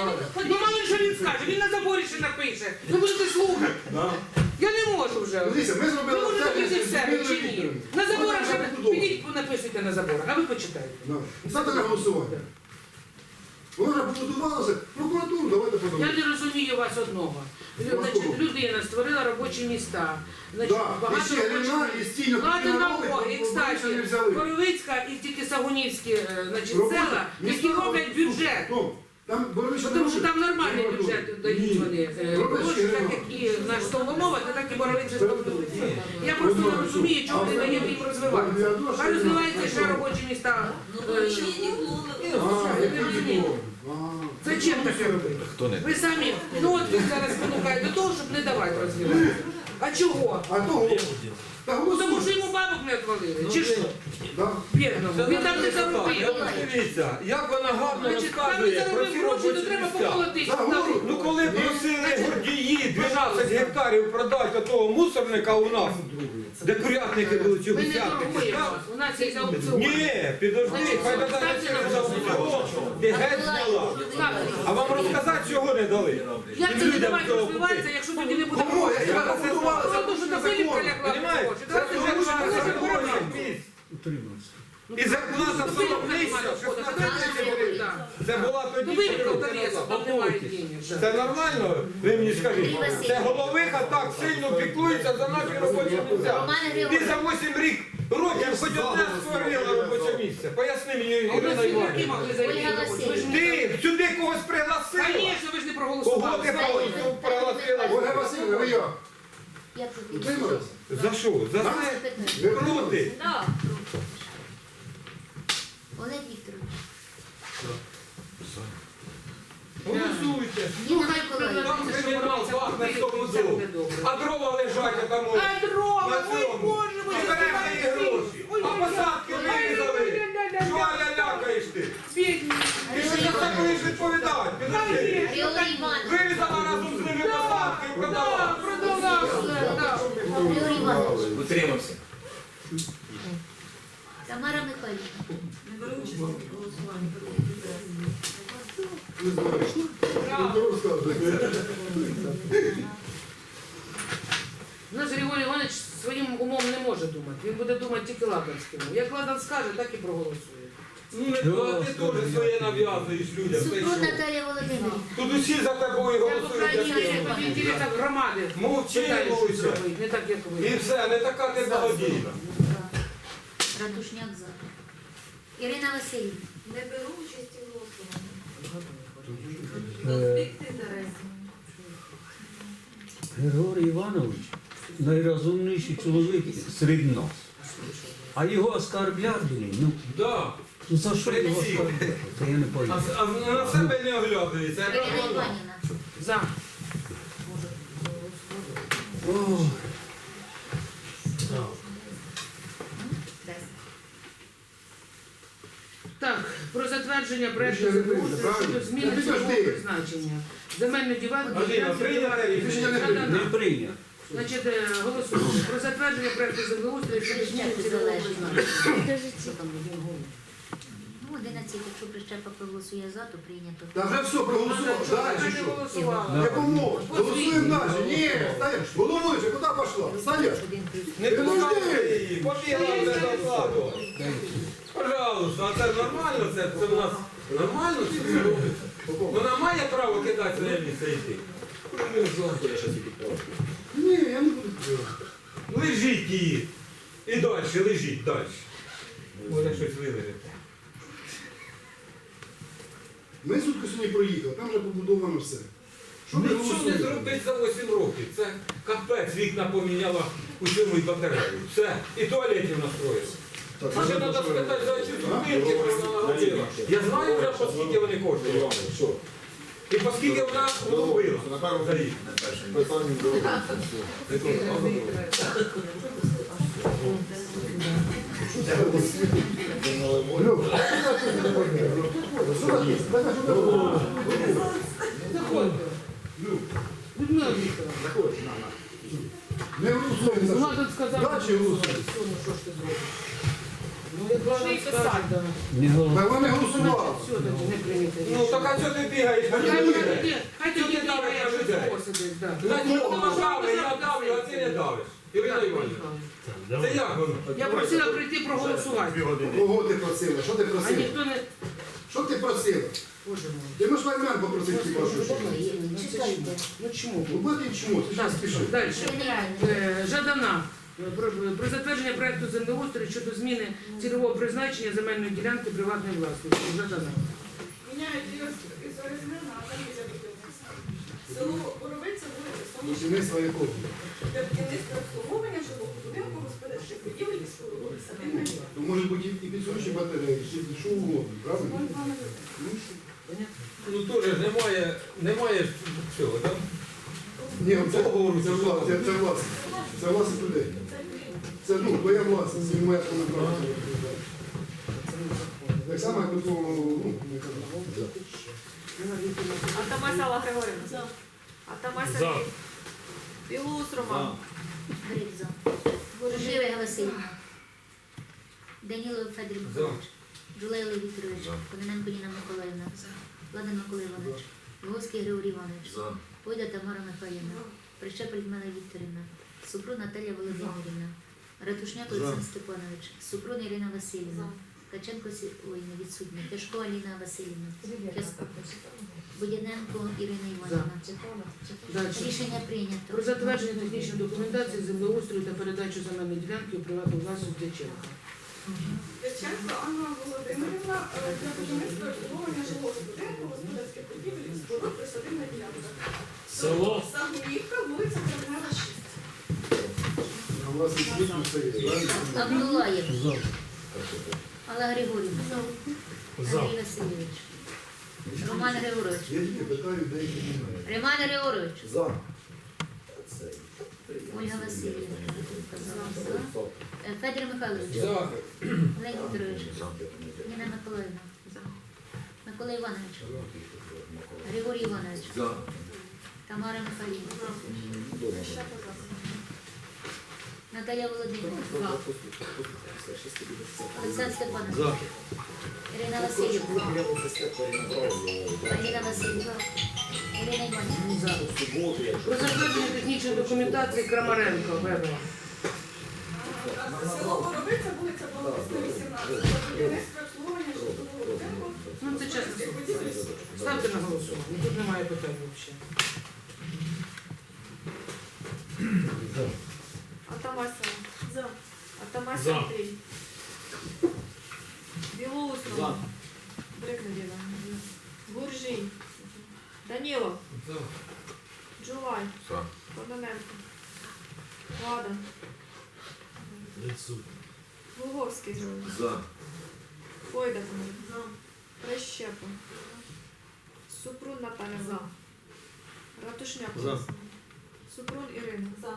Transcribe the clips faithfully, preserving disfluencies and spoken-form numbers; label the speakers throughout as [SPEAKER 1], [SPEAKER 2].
[SPEAKER 1] скаже.
[SPEAKER 2] Ну мало що він скаже, він на заборі ще напише. Ви будете слухати.
[SPEAKER 1] Да.
[SPEAKER 2] Я не можу вже.
[SPEAKER 1] Дивіться, ми
[SPEAKER 2] Ви
[SPEAKER 1] зробили
[SPEAKER 2] можете
[SPEAKER 1] те,
[SPEAKER 2] піти
[SPEAKER 1] що
[SPEAKER 2] в себе чи ні? На заборах ще підіть, написуйте на заборах, а ви почитайте.
[SPEAKER 1] Ставте на голосування. Воно вже побудувалося. Прокуратуру давайте
[SPEAKER 2] Я
[SPEAKER 1] подумаємо.
[SPEAKER 2] не розумію вас одного. Лю- Значить, людина створила робочі міста. Значить,
[SPEAKER 1] Да, і
[SPEAKER 2] багато
[SPEAKER 1] ще Грина,
[SPEAKER 2] робочих
[SPEAKER 1] і стільно
[SPEAKER 2] Ладно,
[SPEAKER 1] такі
[SPEAKER 2] на
[SPEAKER 1] народи,
[SPEAKER 2] Боги. І,
[SPEAKER 1] бо вони ще не
[SPEAKER 2] кстати,
[SPEAKER 1] взяли.
[SPEAKER 2] Коровицька і тільки Сагунівські е, значить,
[SPEAKER 1] Роботи-
[SPEAKER 2] села, які
[SPEAKER 1] міста-
[SPEAKER 2] роблять бюджет.
[SPEAKER 1] Ну, там Боровичі
[SPEAKER 2] Тому що
[SPEAKER 1] не
[SPEAKER 2] там нормальний
[SPEAKER 1] робили.
[SPEAKER 2] бюджет дають
[SPEAKER 1] Ні.
[SPEAKER 2] вони. е,
[SPEAKER 1] Робочі
[SPEAKER 2] гроші, так
[SPEAKER 1] нема.
[SPEAKER 2] як і наш Соломова, так і Боровиця Соломовиця. Я просто не розумію, чому не даємо їм розвиватися. Хай розвиваються ще робочі міста.
[SPEAKER 3] Ну,
[SPEAKER 2] Е,
[SPEAKER 3] нічого не було.
[SPEAKER 1] А,
[SPEAKER 2] Я
[SPEAKER 1] як
[SPEAKER 2] не
[SPEAKER 1] ви
[SPEAKER 2] розумію.
[SPEAKER 1] думали? А,
[SPEAKER 2] Зачем таке робити?
[SPEAKER 4] Хто не?
[SPEAKER 2] Ви самі, ну от він зараз спонукає до того, щоб не давати розвиватися. А чого?
[SPEAKER 1] А того? Та
[SPEAKER 2] Ну, тому що
[SPEAKER 1] голосуй.
[SPEAKER 2] йому бабок не отвалили. Чи що?
[SPEAKER 1] Да.
[SPEAKER 2] Бідному. Він там не заробив.
[SPEAKER 5] Дивіться, як вона гарно
[SPEAKER 2] Значить, там не
[SPEAKER 5] розказує про
[SPEAKER 2] заробив
[SPEAKER 5] ці
[SPEAKER 2] гроші, то
[SPEAKER 5] робочі
[SPEAKER 2] треба
[SPEAKER 5] місця.
[SPEAKER 2] поколотити.
[SPEAKER 1] За голову.
[SPEAKER 5] Ну коли просили гордії дванадцять гектарів продати того мусорника у нас, де курятники були чи
[SPEAKER 2] Ми не
[SPEAKER 5] гусятники.
[SPEAKER 2] торгуємо.
[SPEAKER 5] так?
[SPEAKER 2] У нас є аукціон.
[SPEAKER 5] Ні, підожди,
[SPEAKER 2] Значить,
[SPEAKER 5] хай додають
[SPEAKER 2] ставте на
[SPEAKER 5] через аукціон, де геть зняла.
[SPEAKER 2] Ставте.
[SPEAKER 5] А вам розказати, чого не дали?
[SPEAKER 2] Як це не
[SPEAKER 5] Людям
[SPEAKER 2] давати
[SPEAKER 5] цього
[SPEAKER 2] розвиватися,
[SPEAKER 5] купити.
[SPEAKER 2] якщо тоді не буде
[SPEAKER 1] Кому?
[SPEAKER 2] грошей?
[SPEAKER 1] Я тебе побудувала, це
[SPEAKER 2] Тому що
[SPEAKER 1] буде
[SPEAKER 2] до Філіпка
[SPEAKER 1] закон.
[SPEAKER 2] лягла
[SPEAKER 5] Понімаєте?
[SPEAKER 2] гроші.
[SPEAKER 5] Це
[SPEAKER 2] Давайте
[SPEAKER 5] дуже
[SPEAKER 2] вже
[SPEAKER 5] на
[SPEAKER 2] гроші
[SPEAKER 5] законі
[SPEAKER 2] заберемо.
[SPEAKER 5] місць.
[SPEAKER 2] Ну,
[SPEAKER 5] І зарплата
[SPEAKER 2] до Філіпка
[SPEAKER 5] сорок
[SPEAKER 2] немає
[SPEAKER 5] тисяч,
[SPEAKER 2] доходу.
[SPEAKER 5] шістнадцять
[SPEAKER 2] Давайте
[SPEAKER 5] тисяч
[SPEAKER 2] вже
[SPEAKER 5] гривень.
[SPEAKER 2] так.
[SPEAKER 5] Це була
[SPEAKER 2] До
[SPEAKER 5] тоді.
[SPEAKER 2] Філіпка в
[SPEAKER 5] чотири
[SPEAKER 2] Донецьку,
[SPEAKER 5] роки
[SPEAKER 2] там немає
[SPEAKER 5] назад.
[SPEAKER 2] денег.
[SPEAKER 5] Це нормально? Ви мені скажіть. Це головиха так сильно піклується за наші робочі місця. Ти за вісім рік років хоч одне створила робоче місце. Поясни мені,
[SPEAKER 2] А у нас
[SPEAKER 5] Ірина
[SPEAKER 2] всі роки
[SPEAKER 5] Іванівна.
[SPEAKER 2] могли зайти.
[SPEAKER 3] Ольга
[SPEAKER 2] Ви ж не-
[SPEAKER 5] Ти сюди когось пригласила?
[SPEAKER 2] Звісно, ви ж не
[SPEAKER 5] Кого
[SPEAKER 2] проголосували.
[SPEAKER 5] ти пригласила?
[SPEAKER 1] Ольга Васильівна, ви як?
[SPEAKER 3] Я проти.
[SPEAKER 1] Утримались?
[SPEAKER 5] За що? За це?
[SPEAKER 1] Ви
[SPEAKER 5] Проти.
[SPEAKER 3] Да. Олег Вікторович.
[SPEAKER 5] Голосуйте.
[SPEAKER 3] Ніна
[SPEAKER 2] хай
[SPEAKER 3] Миколаївна.
[SPEAKER 5] Там кримінал пахне в тому дому. А дрова лежать а там.
[SPEAKER 2] А дрова,
[SPEAKER 5] На
[SPEAKER 2] ой
[SPEAKER 5] цьому.
[SPEAKER 2] Боже, ви
[SPEAKER 5] А береш її гроші. А посадки вирізали. Що ля-лякаєш ти?
[SPEAKER 2] Бідні.
[SPEAKER 5] Ти що за це будеш відповідати? Підожди.
[SPEAKER 3] Григорій Іванович.
[SPEAKER 5] Вирізала разом з ними посадки і продала.
[SPEAKER 2] Так, продала все, так.
[SPEAKER 3] Григорій Іванович.
[SPEAKER 4] Утримався.
[SPEAKER 3] Тамара Михайлівна.
[SPEAKER 1] не знаєш. Ну, розказуйте.
[SPEAKER 2] У нас Григорій Іванович своїм умом не може думати. Він буде думати тільки Ладанським. Як Ладан скаже, так і проголосує.
[SPEAKER 5] Ну не то, ти теж своє нав'язуєш людям. Та й
[SPEAKER 3] Супрун
[SPEAKER 5] що?
[SPEAKER 3] Наталія Володимирівна.
[SPEAKER 5] Тут усі за тобою
[SPEAKER 2] Я по крайній
[SPEAKER 5] голосують.
[SPEAKER 2] мірі
[SPEAKER 5] як ти.
[SPEAKER 2] в інтересах громади
[SPEAKER 5] Мовчи,
[SPEAKER 2] питаю, що
[SPEAKER 5] мовчи.
[SPEAKER 2] зробити, не так, як
[SPEAKER 5] І
[SPEAKER 2] ви.
[SPEAKER 5] все, не така ти благодійна.
[SPEAKER 3] Ратушняк за. Ірина Васильівна.
[SPEAKER 6] Не беру участі в голосуванні.
[SPEAKER 7] Е,
[SPEAKER 6] Конфлікт інтересів.
[SPEAKER 7] Григорій Іванович найрозумніший чоловік серед нас. А його оскарблять, блін, ну,
[SPEAKER 5] Да.
[SPEAKER 7] ну за що його
[SPEAKER 5] Прикинь.
[SPEAKER 7] оскарбляти? Це я не
[SPEAKER 5] А,
[SPEAKER 7] пойму.
[SPEAKER 5] а на себе не оглядується.
[SPEAKER 3] Ірина Іванівна.
[SPEAKER 2] За.
[SPEAKER 7] Ох,
[SPEAKER 2] Так, про затвердження проекту
[SPEAKER 1] ще не
[SPEAKER 2] землеустрою
[SPEAKER 1] прийняли,
[SPEAKER 2] щодо
[SPEAKER 1] правильно?
[SPEAKER 2] зміни
[SPEAKER 1] Підожди.
[SPEAKER 2] цільового призначення. Земельну ділянку.
[SPEAKER 5] Аліна,
[SPEAKER 2] ділянку
[SPEAKER 5] прийняте
[SPEAKER 2] приватної-
[SPEAKER 5] рішення?
[SPEAKER 1] Не
[SPEAKER 2] Да-да-да.
[SPEAKER 7] не прийняв.
[SPEAKER 2] Значить, е, голосуємо. Про затвердження проекту землеустрою щодо зміни цільового призначення. Що там, один голос?
[SPEAKER 3] Ну, одинадцять, якщо прищепа проголосує за, то прийнято.
[SPEAKER 1] Та вже все, проголосував. Далі
[SPEAKER 2] Я не
[SPEAKER 1] що?
[SPEAKER 2] голосувала.
[SPEAKER 1] Не поможе. Голосуємо далі. Ні, стаєш. Головуючи, куди пішла? Стаєш.
[SPEAKER 5] Не пускайте її, побігла вже назаду. Пожалуйста, а це нормально, це, це в нас нормально це робиться. Вона має право кидати на місце йти.
[SPEAKER 1] Ні, я не буду приймати.
[SPEAKER 5] Лежіть її. І далі, лежіть далі. Може щось вилежите.
[SPEAKER 1] Ми сутки сьогодні проїхали, там вже побудовано все. Що ви
[SPEAKER 5] Нічого не
[SPEAKER 1] голосуєте?
[SPEAKER 5] зробить за вісім років. Це капець, вікна поміняла у цьому і батарею. Все. І туалетів настроїла. А ще треба спитати, за ці зупинки вона наробила. Я знаю вже, по скільки вони коштують. І по скільки вона робила. За рік.
[SPEAKER 1] Люк, що таке? Давай, що таке?
[SPEAKER 2] Заходьте. Людмила Вікторовна.
[SPEAKER 1] Не голосуємо за
[SPEAKER 2] Вона
[SPEAKER 1] що.
[SPEAKER 2] тут сказала,
[SPEAKER 1] Далі голосуємо.
[SPEAKER 2] ну що ж ти зробиш? Ну, як вона Хай скаже, да.
[SPEAKER 7] Не голова.
[SPEAKER 1] Та вони голосували.
[SPEAKER 2] Все, тоді не приймете
[SPEAKER 5] Ну
[SPEAKER 2] рішення.
[SPEAKER 5] так а чого ти бігаєш?
[SPEAKER 2] Хай
[SPEAKER 5] Ти
[SPEAKER 2] тоді,
[SPEAKER 5] бігаєш.
[SPEAKER 2] хай тоді бігає, що сидить, да.
[SPEAKER 5] Значить, ти давиш, я давлю, а ти не давиш. Ірина
[SPEAKER 2] Так,
[SPEAKER 5] Іванівна,
[SPEAKER 2] поїхали.
[SPEAKER 5] це як воно?
[SPEAKER 2] Я просила прийти проголосувати,
[SPEAKER 1] Кого ти просила? Що ти
[SPEAKER 2] а
[SPEAKER 1] просила?
[SPEAKER 2] ніхто не...
[SPEAKER 1] Що ти просила?
[SPEAKER 2] Боже мой.
[SPEAKER 1] Ти можеш Ваймен попросити хіба що? що?
[SPEAKER 3] Чекайте.
[SPEAKER 2] Ну чому?
[SPEAKER 1] Ну, бо ти чому? Ти
[SPEAKER 2] Так,
[SPEAKER 1] що спішиш?
[SPEAKER 2] далі.
[SPEAKER 3] Генеральний.
[SPEAKER 2] Е, Жадана. Про, про затвердження проекту землеустрою щодо зміни цільового призначення земельної ділянки приватної власності. Жадана.
[SPEAKER 6] Міняють із із ОСГ на комісія будівництва. Село Боровиця, вулиця Сонячна,
[SPEAKER 1] Будівництво якого?
[SPEAKER 6] для будівництва обслуговування жилого будинку, господарчих будівель і споруд, садибної
[SPEAKER 1] То може бути і підсуші батареї, чи що угодно, правильно? Ну, що?
[SPEAKER 5] Ну теж ж немає, немає цього, так?
[SPEAKER 1] Ні, це,
[SPEAKER 5] Договору,
[SPEAKER 1] це,
[SPEAKER 5] це
[SPEAKER 1] вла- це, це власність. Це власність людей. Це, ну, твоя власність, і моя коментар. Так само, як до того, ну, не кажу.
[SPEAKER 4] Атамась Алла Григорівна. Атамась Сергій. Білоус Роман.
[SPEAKER 3] Гриб за. Жива Галасильівна. Данілов Федір Михайлович. Жулайло Вікторович. Кононенко Ніна Миколаївна. Ладан Микола Іванович. Львовський Григорій Іванович. Пойда Тамара Михайлівна. Прищепа Людмила Вікторівна. Супрун Наталія Володимирівна. Ратушняк Олександр Степанович. Супрун Ірина Васильівна. Ткаченко Сі- ой, не відсутня. Тяжко Аліна Васильівна. Тяжко. Будяненко Ірина Іванівна.
[SPEAKER 2] Далі.
[SPEAKER 3] Рішення прийнято.
[SPEAKER 2] Про затвердження технічної документації землеустрою та передачу земельної ділянки у приватну власність Дяченка.
[SPEAKER 6] Дяченко Анна Володимирівна е, для будівництва і обслуговування жилого будинку, господарських будівель і споруд, присадибна ділянка.
[SPEAKER 8] Село.
[SPEAKER 6] Сагунівка, вулиця Кремнева, шість.
[SPEAKER 1] А власність світу це є, правильно?
[SPEAKER 3] Абдулаєв.
[SPEAKER 7] За.
[SPEAKER 3] Алла Григорівна.
[SPEAKER 8] За.
[SPEAKER 3] Андрій Васильович. Роман Григорович.
[SPEAKER 1] Я тільки питаю, деякі немає.
[SPEAKER 3] Роман Григорович.
[SPEAKER 1] За.
[SPEAKER 3] Ольга Васильівна. За. Е, Федір Михайлович.
[SPEAKER 5] За.
[SPEAKER 3] Олег Вікторович. Ніна Миколаївна. Микола Іванович. Григорій Іванович. Тамара Михайлівна. Наталія Володимирівна. Олександр Степанович. Ірина Васильівна. Аліна Васильівна. Ірина Іванівна.
[SPEAKER 2] Про затвердження технічної документації Крамаренко. Вебера.
[SPEAKER 6] Село Боровиця, вулиця Болотисна, вісімнадцять. Для будівництва і обслуговування жилого будинку,
[SPEAKER 2] Ну це чесно.
[SPEAKER 6] господарських будівель і споруд.
[SPEAKER 2] Ставте на голосування. Тут немає питань взагалі.
[SPEAKER 4] Атамась Алла. Атамась
[SPEAKER 8] За.
[SPEAKER 4] Андрій. Білоус Роман. Брикнедіна. Гуржій. Данілов.
[SPEAKER 5] За.
[SPEAKER 4] Джулай.
[SPEAKER 5] За.
[SPEAKER 4] Кононенко. Ладан.
[SPEAKER 8] Відсутні.
[SPEAKER 4] Луговський.
[SPEAKER 5] За.
[SPEAKER 4] Пойда Тамара. Прищепа. Супрун Наталя. За. Ратушняк.
[SPEAKER 7] За.
[SPEAKER 4] Супрун Ірина. За.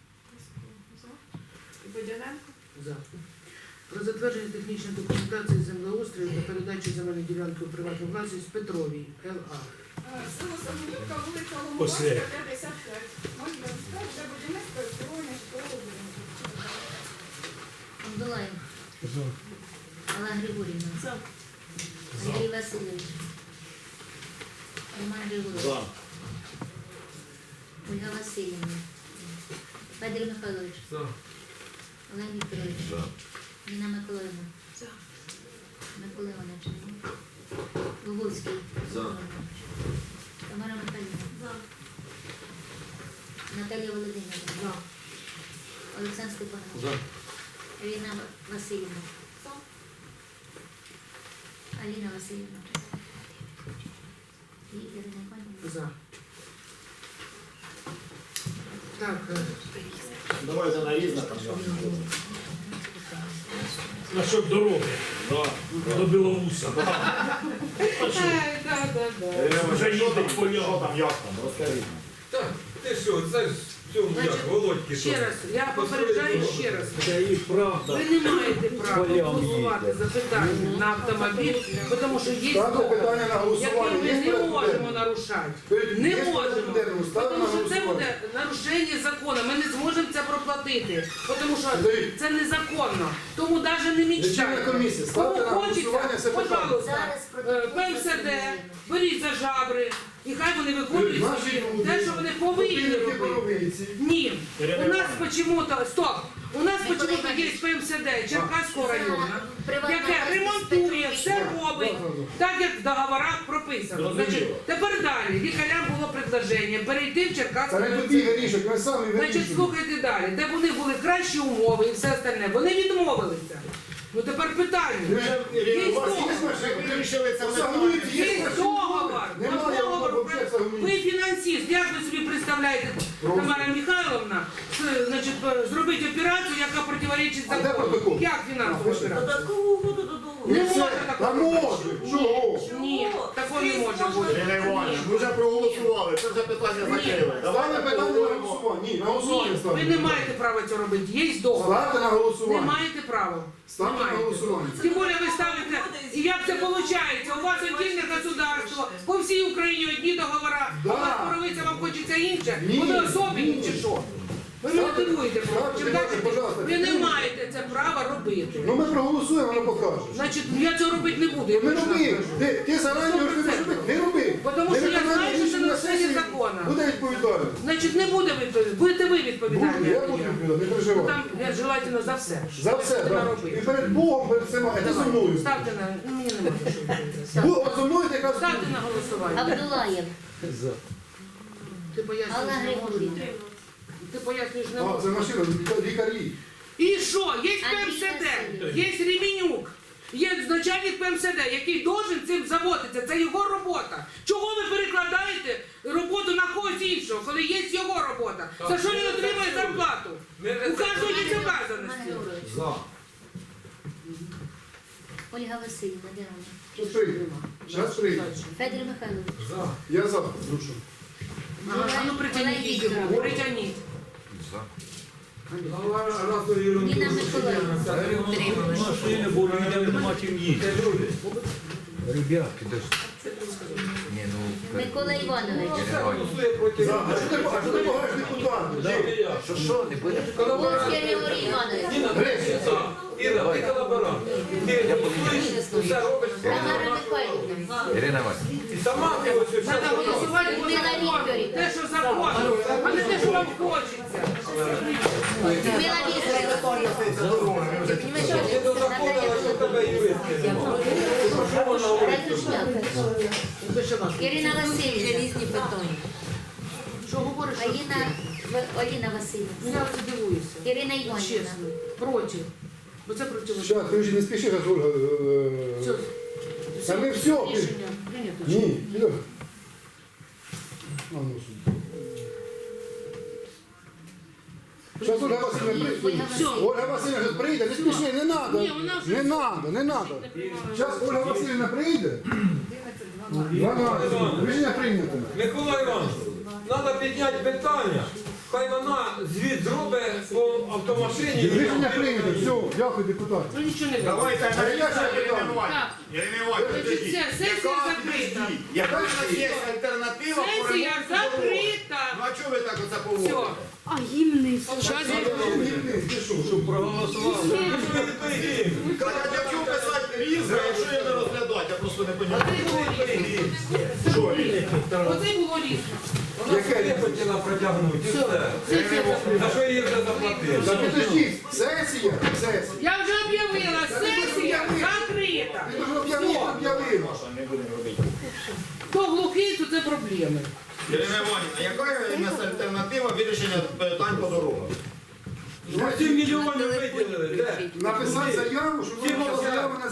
[SPEAKER 4] І Бодяненко.
[SPEAKER 2] За. Про затвердження технічної документації землеустрою та передачу земельної ділянки у приватну власність Петровій Л А.
[SPEAKER 6] Е, Село Сагунівка, вулиця
[SPEAKER 8] Після.
[SPEAKER 6] Ломовська, п'ятдесят п'ять. Можна сказати, для будівництва і обслуговування житлового будинку.
[SPEAKER 3] Абдулаєв.
[SPEAKER 7] За.
[SPEAKER 3] Алла Григорівна.
[SPEAKER 8] За.
[SPEAKER 3] Андрій Васильович. Роман Григорович. Ольга Васильівна. Федір Михайлович.
[SPEAKER 5] За.
[SPEAKER 3] Олег Вікторович.
[SPEAKER 5] За.
[SPEAKER 3] Ніна Миколаївна.
[SPEAKER 4] За.
[SPEAKER 3] Микола Іванович. Луговський.
[SPEAKER 5] За.
[SPEAKER 3] Тамара Михайлівна. Наталія Володимирівна. Олександр Степанович.
[SPEAKER 5] За.
[SPEAKER 3] Ірина Васильівна. Аліна Васильівна. І Ірина Іванівна.
[SPEAKER 2] За. Так, е,
[SPEAKER 9] Давайте на різне там.
[SPEAKER 8] Насчет дороги до Білоуса.
[SPEAKER 2] да, да, да.
[SPEAKER 8] Вже їздить по
[SPEAKER 9] Що
[SPEAKER 8] нього.
[SPEAKER 9] там, як там, розкажіть.
[SPEAKER 5] Так, ти що, це ж цьому, як,
[SPEAKER 2] Значить,
[SPEAKER 5] Володьки.
[SPEAKER 2] Ще раз, я попереджаю ще раз.
[SPEAKER 7] Це і правда.
[SPEAKER 2] Ви не маєте права
[SPEAKER 7] Полям
[SPEAKER 2] голосувати
[SPEAKER 7] їде.
[SPEAKER 2] за питання на автомобіль, тому що є
[SPEAKER 1] Ставте
[SPEAKER 2] договір,
[SPEAKER 1] питання на голосування.
[SPEAKER 2] який
[SPEAKER 1] Є
[SPEAKER 2] ми не
[SPEAKER 1] порядок
[SPEAKER 2] можемо
[SPEAKER 1] денний?
[SPEAKER 2] нарушати.
[SPEAKER 1] Перед-
[SPEAKER 2] Не
[SPEAKER 1] є порядок
[SPEAKER 2] можемо.
[SPEAKER 1] денний, ставте
[SPEAKER 2] Тому
[SPEAKER 1] на
[SPEAKER 2] що це
[SPEAKER 1] голосування.
[SPEAKER 2] буде нарушення закону. Ми не зможемо це проплатити. Тому що
[SPEAKER 1] Дивіться.
[SPEAKER 2] це незаконно. Тому навіть не
[SPEAKER 1] Лічильна
[SPEAKER 2] мечтайте.
[SPEAKER 1] комісія,
[SPEAKER 2] Кому
[SPEAKER 1] ставте на
[SPEAKER 2] хочеться,
[SPEAKER 1] голосування це питання.
[SPEAKER 2] пожалуйста,
[SPEAKER 3] Зараз
[SPEAKER 2] е,
[SPEAKER 3] протокол
[SPEAKER 2] ПМСД,
[SPEAKER 3] засідання.
[SPEAKER 2] беріть за жабри. І хай вони виконують
[SPEAKER 1] Наші
[SPEAKER 2] свої-
[SPEAKER 1] люди,
[SPEAKER 2] те, що вони повинні
[SPEAKER 1] Спільники
[SPEAKER 2] робити.
[SPEAKER 1] Боровиці.
[SPEAKER 2] Ні, у нас почему-то, стоп, у нас
[SPEAKER 3] Ми
[SPEAKER 2] почему-то
[SPEAKER 3] коли-
[SPEAKER 2] є ПМСД Черкаського
[SPEAKER 3] Це
[SPEAKER 2] району,
[SPEAKER 3] приватна
[SPEAKER 2] яке
[SPEAKER 3] власність
[SPEAKER 2] ремонтує, все
[SPEAKER 3] перевищена.
[SPEAKER 2] робить, так як в договорах прописано. Значить, тепер далі, лікарям було предложення перейти в
[SPEAKER 1] Це
[SPEAKER 2] Черкаський
[SPEAKER 1] не
[SPEAKER 2] район.
[SPEAKER 1] тобі вирішують, ми самі
[SPEAKER 2] Значить,
[SPEAKER 1] вирішуємо.
[SPEAKER 2] слухайте далі, де вони були кращі умови і все остальне, вони відмовилися. Ну тепер питання. Є
[SPEAKER 1] У вас є
[SPEAKER 2] договор.
[SPEAKER 1] машина?
[SPEAKER 9] Вирішили це
[SPEAKER 1] Загонують, є
[SPEAKER 2] Є
[SPEAKER 1] машина?
[SPEAKER 2] договор.
[SPEAKER 1] Немає
[SPEAKER 2] Договор.
[SPEAKER 1] взагалі загонують.
[SPEAKER 2] Ви фінансист. Як ви собі представляєте,
[SPEAKER 1] Просто.
[SPEAKER 2] Тамара Михайловна, з- значить, е, зробити операцію, яка противоречить
[SPEAKER 1] А де
[SPEAKER 2] закону?
[SPEAKER 1] протокол?
[SPEAKER 2] Як фінансову операцію?
[SPEAKER 4] Додаткову угоду до договору.
[SPEAKER 2] Не
[SPEAKER 1] І все.
[SPEAKER 2] може
[SPEAKER 1] Та
[SPEAKER 2] такого
[SPEAKER 1] може, чого?
[SPEAKER 2] Ні, такого не може бути.
[SPEAKER 9] Ірина Іванівна, ми вже проголосували, це вже питання закрили.
[SPEAKER 1] Ставте
[SPEAKER 9] Давайте
[SPEAKER 1] питання на
[SPEAKER 9] поговоримо.
[SPEAKER 1] голосування. Ні, на голосування
[SPEAKER 2] Ні,
[SPEAKER 1] ставте.
[SPEAKER 2] ви не маєте права цього робити. Є договор.
[SPEAKER 1] Ставте на
[SPEAKER 2] Не
[SPEAKER 1] голосування.
[SPEAKER 2] маєте права.
[SPEAKER 1] Ставте
[SPEAKER 2] Не
[SPEAKER 1] на
[SPEAKER 2] маєте.
[SPEAKER 1] голосування.
[SPEAKER 2] Тим більше ви ставите, і як це виходить? У вас отдільне государство, по всій Україні одні договори, а
[SPEAKER 1] Да.
[SPEAKER 2] у вас поровиться, вам хочеться інше,
[SPEAKER 1] Ні.
[SPEAKER 2] вони особливі чи що? Ви не
[SPEAKER 1] Ставте-
[SPEAKER 2] мотивуєте,
[SPEAKER 1] ставте,
[SPEAKER 2] чим
[SPEAKER 1] давайте,
[SPEAKER 2] кажете,
[SPEAKER 1] пожалуйста,
[SPEAKER 2] ви не
[SPEAKER 1] підтримуйте.
[SPEAKER 2] маєте це права робити.
[SPEAKER 1] Ну ми проголосуємо, воно покаже.
[SPEAKER 2] Значить, я цього робити не буду. Я
[SPEAKER 1] Не
[SPEAKER 2] точно
[SPEAKER 1] роби.
[SPEAKER 2] кажу.
[SPEAKER 1] Ти, ти зарані
[SPEAKER 2] Сто
[SPEAKER 1] говориш,
[SPEAKER 2] процентів.
[SPEAKER 1] не роби.
[SPEAKER 2] Потому
[SPEAKER 1] Не
[SPEAKER 2] що я
[SPEAKER 1] виконання
[SPEAKER 2] знаю, що це
[SPEAKER 1] рішення
[SPEAKER 2] нарушення
[SPEAKER 1] сесії
[SPEAKER 2] закону.
[SPEAKER 1] Буде відповідальність.
[SPEAKER 2] Значить, не буде відповідальність. Будете ви
[SPEAKER 1] Буде,
[SPEAKER 2] відповідальні.
[SPEAKER 1] я
[SPEAKER 2] а не
[SPEAKER 1] буду
[SPEAKER 2] я.
[SPEAKER 1] відповідати, не
[SPEAKER 2] Ну,
[SPEAKER 1] переживай.
[SPEAKER 2] там я желательно за все.
[SPEAKER 1] За все,
[SPEAKER 2] Ти
[SPEAKER 1] так.
[SPEAKER 2] наробив.
[SPEAKER 1] І перед Богом, перед всіма, а ти зі мною.
[SPEAKER 2] Ставте на... Ну, мені не можна що відповідати.
[SPEAKER 1] Бо от зі мною ти якраз...
[SPEAKER 2] Ставте на голосування.
[SPEAKER 3] Абдулаєв,
[SPEAKER 7] За.
[SPEAKER 2] Ти пояснюєш
[SPEAKER 3] Алла
[SPEAKER 2] не можна.
[SPEAKER 3] Григорівна.
[SPEAKER 2] Ти пояснюєш не
[SPEAKER 1] А, це
[SPEAKER 2] можна.
[SPEAKER 1] машина, лікарі.
[SPEAKER 2] І що? Є
[SPEAKER 3] Андрій
[SPEAKER 2] ПМСД,
[SPEAKER 3] Васильович.
[SPEAKER 2] є Ремінюк, є начальник ПМСД, який должен цим заводитися. Це його робота. Чого ви перекладаєте роботу на когось іншого, коли є його робота? За що він отримує зарплату?
[SPEAKER 5] Ми
[SPEAKER 2] У кожного є
[SPEAKER 3] Роман
[SPEAKER 2] обов'язаності.
[SPEAKER 3] Григорович.
[SPEAKER 5] За.
[SPEAKER 3] Ольга Васильівна, де вона?
[SPEAKER 1] Щас прийде. Щас прийде.
[SPEAKER 3] Федір Михайлович.
[SPEAKER 5] За.
[SPEAKER 1] Я за. Ну що?
[SPEAKER 2] Ага, а ну притягніть його, притягніть.
[SPEAKER 3] Ніна Миколаївна.
[SPEAKER 7] Машини були, людям нема чим їсти. Ребята,
[SPEAKER 3] Микола Іванович.
[SPEAKER 1] За. А що ти, а що ти багаєш депутатів?
[SPEAKER 9] Що, що, не буде?
[SPEAKER 3] Володський Григорій Іванович.
[SPEAKER 1] Гречка.
[SPEAKER 5] Іра, ти колаборант. Ти голосуєш, все робиш.
[SPEAKER 3] Тамара Михайлівна.
[SPEAKER 10] Ірина Васильівна.
[SPEAKER 5] І сама ти ось все
[SPEAKER 2] Треба
[SPEAKER 5] робиш.
[SPEAKER 2] голосувати по
[SPEAKER 3] Людмила
[SPEAKER 2] закону.
[SPEAKER 3] Вікторівна.
[SPEAKER 2] Те, що закон, а не те, що вам хочеться.
[SPEAKER 3] Людмила Вікторівна.
[SPEAKER 5] Ти до закону, а що тебе юристи немає? Що вона говорить?
[SPEAKER 3] Ратушняк. Ірина Васильівна.
[SPEAKER 4] Різні питання.
[SPEAKER 2] Що говориш? що
[SPEAKER 3] Аліна, В- Аліна
[SPEAKER 2] Ну,
[SPEAKER 3] Васильівна.
[SPEAKER 2] я це дивуюся.
[SPEAKER 3] Ірина Іванівна.
[SPEAKER 2] Чесно. Проти. Бо це проти.
[SPEAKER 1] Щас, ти вже не спіши, як Ольга. е,
[SPEAKER 2] Все.
[SPEAKER 1] Та ми все.
[SPEAKER 2] Рішення прийнято.
[SPEAKER 1] Ні, Ігор. А, ну, сюди. Щас Ольга Васильівна прийде.
[SPEAKER 3] Ольга
[SPEAKER 2] Все.
[SPEAKER 3] Васильівна.
[SPEAKER 1] Ольга Васильівна зараз прийде, не спіши, не треба.
[SPEAKER 2] Ні, вона вже-
[SPEAKER 1] Не треба, не треба. Зараз Ольга Васильівна прийде. дванадцять. Рішення прийнято.
[SPEAKER 5] Микола Іванович, треба підняти питання. Хай вона звіт зробить по автомашині.
[SPEAKER 1] Рішення прийнято. Все, дякую, депутат.
[SPEAKER 2] Ну нічого не буде.
[SPEAKER 9] Давайте
[SPEAKER 1] А я
[SPEAKER 9] аналізуємо,
[SPEAKER 1] ще
[SPEAKER 9] Ірина
[SPEAKER 1] питаю.
[SPEAKER 9] Іванівна. Ірина Іванівна,
[SPEAKER 2] Значить,
[SPEAKER 9] підождіть.
[SPEAKER 2] все, сесія
[SPEAKER 9] Яка-
[SPEAKER 2] закрита.
[SPEAKER 9] підождіть. Яка в нас є альтернатива по
[SPEAKER 2] Сесія
[SPEAKER 9] ремонту дороги?
[SPEAKER 2] закрита.
[SPEAKER 9] Ну а чого ви так оце
[SPEAKER 2] Все.
[SPEAKER 9] поводите?
[SPEAKER 2] Щас я...
[SPEAKER 1] Ти що, що
[SPEAKER 7] проголосували.
[SPEAKER 9] Кажуть, якщо писати різне, якщо я не розглядати, я просто не розумію.
[SPEAKER 2] Оце було різно.
[SPEAKER 9] Що різне?
[SPEAKER 2] Оце було різно.
[SPEAKER 5] Вона собі хотіла протягнути і все.
[SPEAKER 2] Сесія закрита.
[SPEAKER 5] За що їй вже заплатили?
[SPEAKER 1] Та підождіть, сесія, сесія.
[SPEAKER 2] Я вже об'явила, сесія закрита.
[SPEAKER 1] Ти ж об'явила, об'явила.
[SPEAKER 9] Не будемо робити.
[SPEAKER 2] Хто глухий, то це проблеми.
[SPEAKER 9] Ірина Іванівна, яка у нас альтернатива вирішення питань по дорогам?
[SPEAKER 5] сім мільйонів виділили. Де?
[SPEAKER 1] Написати заяву, щоб вона заяву на